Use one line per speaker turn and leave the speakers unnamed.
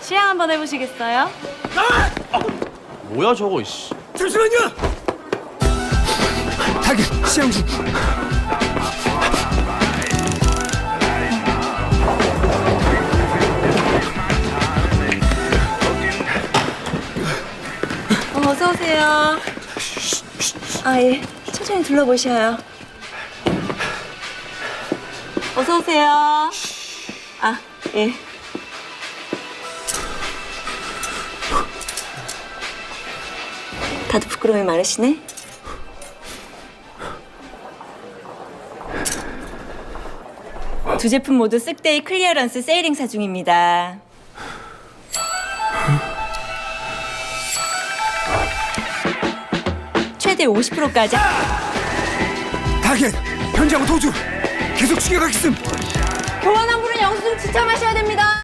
시향 한번 해보시겠어요?
뭐야 저거 씨.
잠시만요. 타겟 시향 중.
어서 오세요. 아, 예. 천천히 둘러보셔요. 어서 오세요. 아, 예. 다들 부끄러움이 많으시네. 두 제품 모두 쓱데이 클리어런스 세일 행사 중입니다. 최대 50%까지.
타겟 현장 도주. 계속 추격하겠음.
교환 한 분은 영수증 지참하셔야 됩니다.